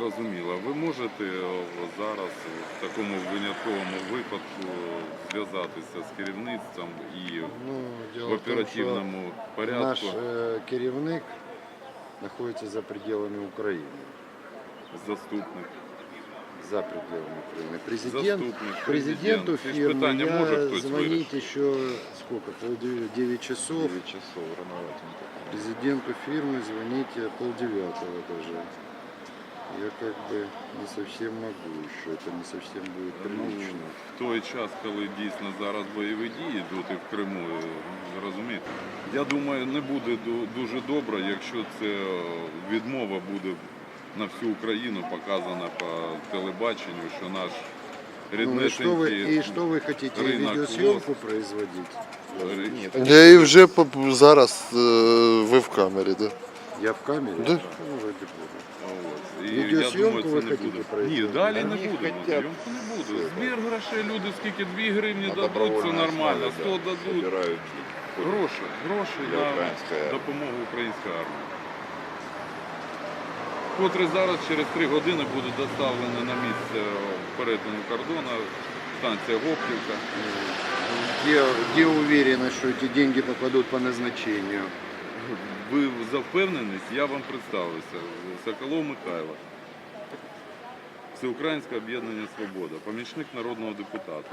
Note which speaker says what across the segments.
Speaker 1: зрозуміло. Ви можете зараз в такому винятковому випадку зв'язатися з керівництвом і
Speaker 2: Ну, дело
Speaker 1: в
Speaker 2: в том, что
Speaker 1: оперативному порядку?
Speaker 2: наш керівник находится за пределами Украины.
Speaker 1: Заступник.
Speaker 2: За пределами Украины.
Speaker 1: Заступник,
Speaker 2: Президенту
Speaker 1: президент. Ці ж
Speaker 2: фирмы
Speaker 1: питання може
Speaker 2: я
Speaker 1: хтось
Speaker 2: звонить
Speaker 1: вирішити?
Speaker 2: еще сколько? 9 часов.
Speaker 3: 9 часов, рановато.
Speaker 2: Президенту фирмы звоните 8:30 даже. Я как бы не совсем могу еще, это не совсем будет прилично.
Speaker 1: В той час, коли дійсно зараз бойові дії йдуть і в Криму, розумієте, я думаю, не буде дуже добре, якщо це відмова буде на всю Україну показана по телебаченню, що наш
Speaker 2: Ну, и что
Speaker 1: ріднесенький
Speaker 2: вы хотите,
Speaker 1: рынок
Speaker 2: видеосъемку производить?
Speaker 4: Я і вже зараз ви в камері, да?
Speaker 2: Я в камере?
Speaker 4: Да.
Speaker 2: Ну, ради бога.
Speaker 1: Ось. І
Speaker 2: Відеосйомку
Speaker 1: я думаю,
Speaker 2: ви
Speaker 1: це не
Speaker 2: хотіте
Speaker 1: буде.
Speaker 2: провести?
Speaker 1: Ні, далі не
Speaker 3: Вони
Speaker 1: будемо.
Speaker 3: хотять.
Speaker 1: Зйомку не буде. Збір грошей, люди скільки 2 гривні
Speaker 3: На
Speaker 1: дадуть, це
Speaker 3: добровольной
Speaker 1: нормально,
Speaker 3: основе,
Speaker 1: 100
Speaker 3: да,
Speaker 1: дадуть.
Speaker 3: собирают
Speaker 1: Гроші
Speaker 3: для
Speaker 1: на
Speaker 3: української армії.
Speaker 1: допомогу української армії. Котрий зараз через 3 години буде доставлено на місце перетину кордону, станція Гоплівка.
Speaker 2: Где уверены, что эти деньги попадут по назначению?
Speaker 1: Ви за впевненість, я вам представився. Соколов Михайло. Всеукраїнське об'єднання «Свобода», помічник народного депутата.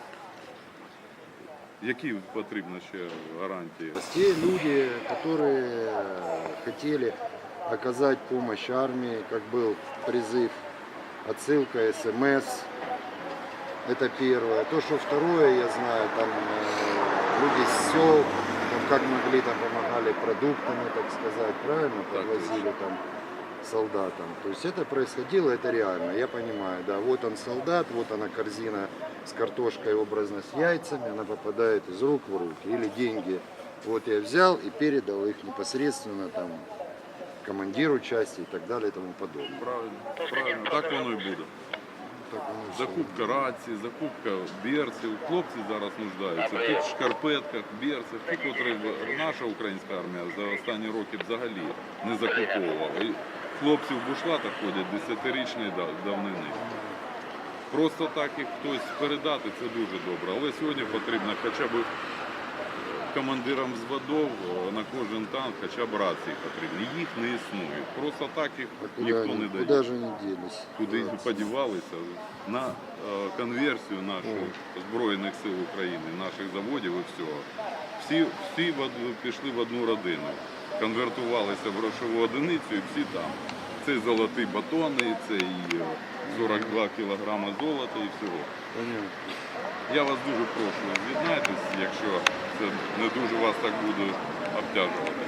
Speaker 1: Які потрібно ще гарантії?
Speaker 2: Те люди, которые хотели оказать помощь армии, как был призыв, отсылка, СМС, это первое. То, что второе, я знаю, там люди с сел, там, как могли, там помогали продуктами, так сказать, правильно,
Speaker 1: Так
Speaker 2: подвозили там солдатам. То есть это происходило, это реально, я понимаю, да, вот он солдат, вот она корзина с картошкой, образно с яйцами, она попадает из рук в руки, или деньги, вот я взял и передал их непосредственно там командиру части и так далее и тому подобное.
Speaker 1: Правильно, так воно і буде.
Speaker 2: Так оно всё.
Speaker 1: Закупка рації, закупка берців. Хлопці зараз нуждаються в тих шкарпетках, берцях, ті, котрі наша українська армія за останні роки взагалі не закуповувала. І хлопці в бушлатах ходять 10-річної давнини. Просто так їх хтось передати, це дуже добре. Але сьогодні потрібно хоча б командирам взводів на кожен танк хоча б рації потрібні. Їх не існує. Просто так їх
Speaker 2: А
Speaker 1: ніхто не дає.
Speaker 2: куда же они делись?
Speaker 1: Куди
Speaker 2: Да.
Speaker 1: подівалися на конверсію наших Збройних сил України, наших заводів і всього. Всі пішли в одну родину, конвертувалися в грошову одиницю і всі там. Це і золоті батони, це і 42 кілограми золота і всього.
Speaker 2: Понятно.
Speaker 1: Я вас дуже прошу, з'єднайтесь, якщо це не дуже вас так буде обтяжувати.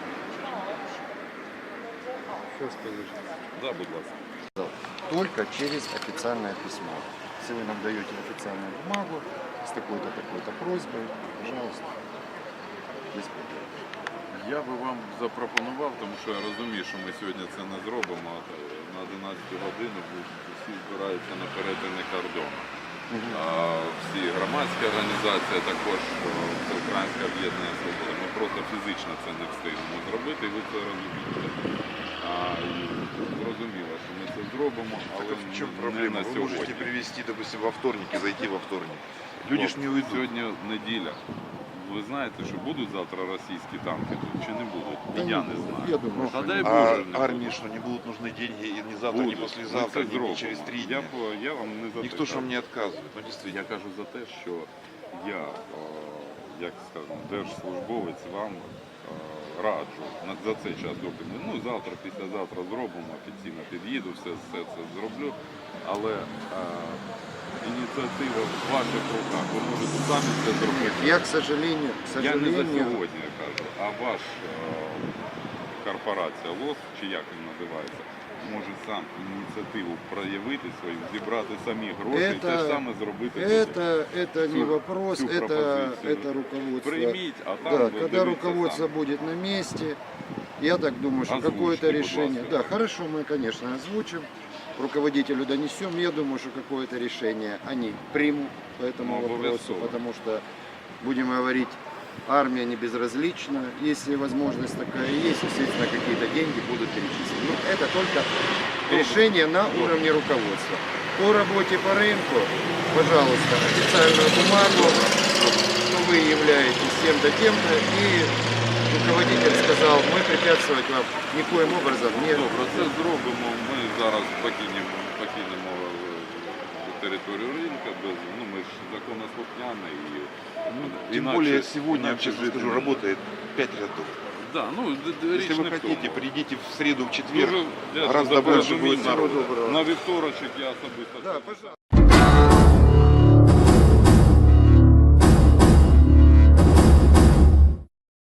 Speaker 2: Сейчас скажешь.
Speaker 1: Да, будь ласка.
Speaker 5: Только через официальное письмо. Если вы нам даете официальную бумагу с такой-то, такой-то просьбой, пожалуйста, без проблем.
Speaker 1: Я би вам запропонував, тому що я розумію, що ми сьогодні це не зробимо. На 11 годину всі збираються на перетині кордону. Всі громадські організації, також Всеукраїнське об'єднання «Свобода». Ми просто фізично це не встигнемо зробити, і ви це розумієте. Зрозуміло, що ми це зробимо, але
Speaker 3: В чем
Speaker 1: не
Speaker 3: проблема?
Speaker 1: на
Speaker 3: Вы
Speaker 1: сьогодні.
Speaker 3: можете привезти, допустим, во вторник и зайти во вторник. Люди ж не уйдут.
Speaker 1: Сьогодні неділя. Ви знаєте, що будуть завтра російські танки тут чи не будуть?
Speaker 2: Да
Speaker 1: І я
Speaker 2: не
Speaker 1: не
Speaker 2: будуть.
Speaker 1: знаю.
Speaker 2: Я думаю,
Speaker 1: Та
Speaker 2: що
Speaker 1: дай
Speaker 2: не
Speaker 1: Боже,
Speaker 3: А
Speaker 1: не будуть.
Speaker 3: армии что, не будут нужны деньги и не завтра,
Speaker 1: Будуть.
Speaker 3: не послезавтра,
Speaker 1: Ми це
Speaker 3: не
Speaker 1: зробимо.
Speaker 3: через 3 дня?
Speaker 1: Я вам не за
Speaker 3: Никто
Speaker 1: те
Speaker 3: же вам
Speaker 1: кажу.
Speaker 3: не отказывает. Ну, действительно.
Speaker 1: Я кажу за те, що я, як скажемо, держслужбовець вам раджу за цей час, доки ми, завтра, післязавтра зробимо, офіційно під'їду, все це зроблю, але ініціатива в ваших руках, ви можете самі це зробити.
Speaker 2: Я, к сожалению,
Speaker 1: Я не за сьогодні кажу, а ваш корпорація ЛОС, чи як він називається, може сам ініціативу проявити свою, зібрати самі гроші і те ж саме зробити.
Speaker 2: это не вопрос,
Speaker 1: всю
Speaker 2: это
Speaker 1: пропозицию.
Speaker 2: руководство.
Speaker 1: Прийміть, а там
Speaker 2: Да,
Speaker 1: ви
Speaker 2: когда
Speaker 1: дивіться
Speaker 2: руководство
Speaker 1: самі.
Speaker 2: будет на месте, я так думаю, что
Speaker 1: Озвучьте,
Speaker 2: какое-то
Speaker 1: будь
Speaker 2: решение.
Speaker 1: ласка.
Speaker 2: Да, хорошо, мы, конечно, озвучим, руководителю донесем. Я думаю, что какое-то решение они примут по этому
Speaker 1: Ну,
Speaker 2: вопросу,
Speaker 1: обовязково.
Speaker 2: потому что, будем говорить армия не безразлична. Если возможность такая есть, естественно, какие-то деньги будут перечислены. Но это только решение на уровне руководства. По работе по рынку, пожалуйста, официальную бумагу, что вы являетесь тем-то, тем-то, и руководитель сказал, мы препятствовать вам никоим образом не
Speaker 1: Добре, це зробимо. Ми зараз покинемо територію ринку, ну ми ж законослухняні і
Speaker 3: Тем
Speaker 1: інакше-
Speaker 3: более сегодня,
Speaker 1: інакше
Speaker 3: честно
Speaker 1: жити
Speaker 3: скажу,
Speaker 1: не
Speaker 3: работает 5 рядов.
Speaker 1: Да, ну, річ
Speaker 3: Если вы
Speaker 1: не в
Speaker 3: хотите,
Speaker 1: тому.
Speaker 3: придите в среду, в четверг.
Speaker 1: Дуже вдячний
Speaker 3: Гораздо
Speaker 1: за
Speaker 3: больше
Speaker 1: порозуміння.
Speaker 3: будет народу.
Speaker 1: На вівторочок я особисто.
Speaker 2: Да, пожалуйста.